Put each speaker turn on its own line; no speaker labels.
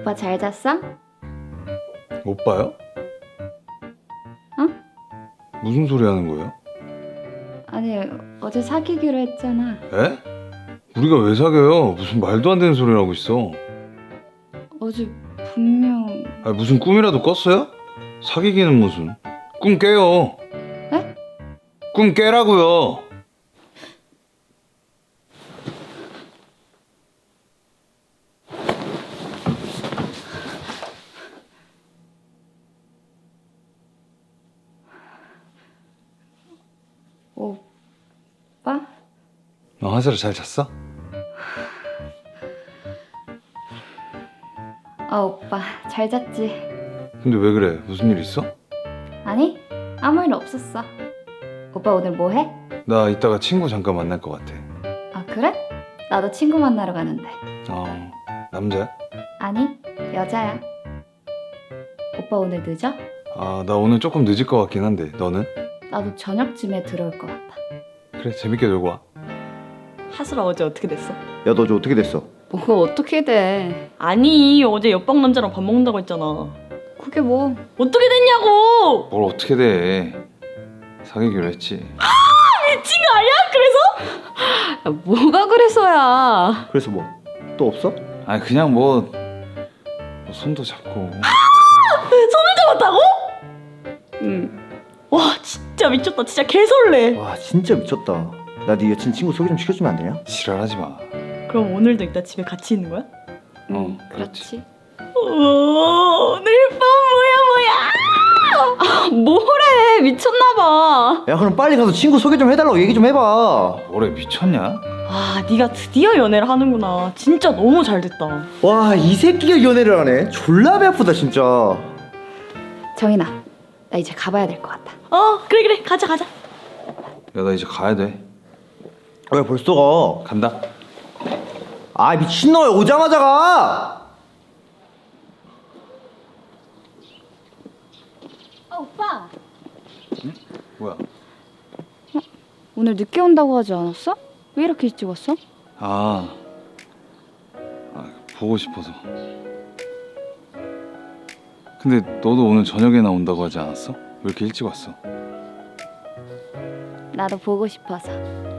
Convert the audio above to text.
오빠 잘 잤어?
오빠요?
어?
무슨 소리 하는 거예요?
아니 어제 사귀기로 했잖아.
에? 우리가 왜 사겨요? 무슨 말도 안 되는 소리를 하고 있어.
어제 분명...
아니, 무슨 꿈이라도 꿨어요? 사귀기는 무슨. 꿈 깨요.
에?
꿈 깨라고요.
오빠?
너 화사를 잘 잤어?
오빠 잘 잤지?
근데 왜 그래? 무슨 일 있어?
아니 아무 일 없었어. 오빠 오늘 뭐 해?
나 이따가 친구 잠깐 만날 것 같아.
아 그래? 나도 친구 만나러 가는데.
남자야?
아니 여자야. 오빠 오늘 늦어?
나 오늘 조금 늦을 것 같긴 한데 너는?
나도 저녁쯤에 들어올 것 같아.
그래, 재밌게 놀고 와.
하슬아 어제 어떻게 됐어?
야, 너 어제 어떻게 됐어?
뭐가 어떻게 돼?
아니 어제 옆방 남자랑 밥 먹는다고 했잖아.
그게 뭐?
어떻게 됐냐고!
뭘 어떻게 돼. 사귀기로 했지.
미친 거 아니야? 그래서?
야, 뭐가 그래서야?
그래서 뭐? 또 없어?
아니 그냥 뭐 손도 잡고.
손을 잡았다고?
응.
와 진짜 미쳤다. 진짜 개설레.
와, 진짜 미쳤다. 나 네 여친 친구 소개 좀 시켜주면 안 되냐?
지랄하지 마.
그럼 오늘도 이따 집에 같이 있는 거야?
응,
그렇지.
그렇지.
오, 오늘 밤 뭐야.
뭐래 미쳤나봐.
야, 그럼 빨리 가서 친구 소개 좀 해달라고 얘기 좀 해봐.
뭐래, 미쳤냐?
아 네가 드디어 연애를 하는구나. 진짜 너무 잘 됐다.
와, 이 새끼가 연애를 하네. 졸라 배 아프다 진짜.
정인아 나 이제 가봐야 될 것 같아.
그래 가자.
야, 나 이제 가야 돼.
왜 벌써 가?
간다.
아, 미친놈아, 오자마자 가!
오빠
뭐야?
오늘 늦게 온다고 하지 않았어? 왜 이렇게 일찍 왔어?
보고 싶어서. 근데 너도 오늘 저녁에 나온다고 하지 않았어? 왜 이렇게 일찍 왔어?
나도 보고 싶어서.